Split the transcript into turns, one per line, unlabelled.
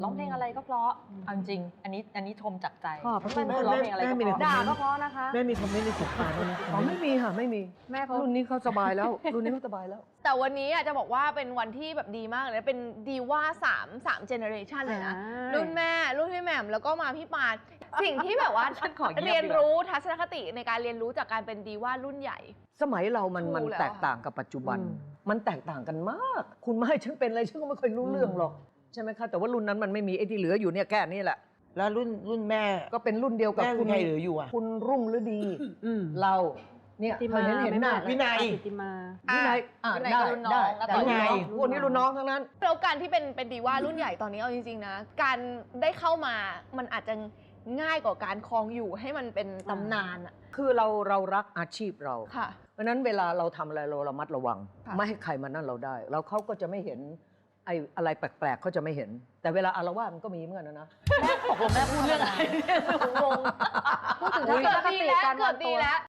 ร้องเพลงอะไรก็เพราะเอาจริงอันนี้ชมจากใจ
ขอบพระคุณ
ไม่ร้องเพลงอะไรก็เพราะ
ด่าก็เพราะนะคะ
แม่มีคอมเมนต์ในสบตาด้วยนะอ๋อไม่มีค่ะไม่มี
แม่เขา
รุ่นนี้เขาสบายแล้ว รุ่นนี้เขาสบายแล้ว
แต่วันนี้จะบอกว่าเป็นวันที่แบบดีมากเลยนะเป็นดีว่า3เจเนอเรชันเลยนะ รุ่นแม่รุ่นพี่แหม่มแล้วก็มาพี่ปานสิ่งที่แบบว่า
ฉันขอเงียบดีกว่า
เรียนรู้ทัศนคติในการเรียนรู้จากการเป็นดีว่ารุ่นใหญ่
สมัยเรามัน
ถูกแล้ว
แตกต่างกับปัจจุบัน
อืม
มันแตกต่างกันมาก คุณไม่ให้ฉันเป็นอะไรฉันก็ไม่เคยรู้เรื่องหรอกใช่ไหมคะแต่ว่ารุ่นนั้นมันไม่มีไอ้ที่เหลืออยู่เนี่ยแค่นี้แหละ
แล้วรุ่นแม่
ก็เป็นรุ่นเดียวกับ
แม่
คุณ
ใครเหลืออยู่อ่ะ
คุณรุ่งฤดี เราเนี่ย
ติ
เธ
มา
อเห็นหน้า
วินัย
ติมา
วินัย
วินัย
ได้
ก็รุ่นน้อง
ได้
แล้ว
แต่
ต่อ
รุ่นน้อง
วินัย
พวกนี้รุ่นน้องทั้งนั้น
แล้วการที่เป็นดีว่ารุ่นใหญ่ตอนนี้เอาจริงๆนะการได้เข้ามามันอาจจะง่ายกว่าการครองอยู่ให้มันเป็นตำนานอะ
คือเรารักอาชีพเรา
ค่ะ
เพราะฉะนั้นเวลาเราทำอะไรเราระมัดระวัง
ค่ะ
ไม่ให้ใครมานั่นเราได้ แล้วเขาก็จะไม่เห็นไอ้อะไรแปลกๆเขาจะไม่เห็น แต่เวลาอาละวาดมันก็มีเหมือนกันนะ
ตกลงแม่พูดเรื่องอะไรเนี่ยงง
พูดถึง
เกือบ
ทัศนค
ดี
ติ
แล้ว
การ
เกื
วา
อบ
ง
ดี
ตัว
แล้ว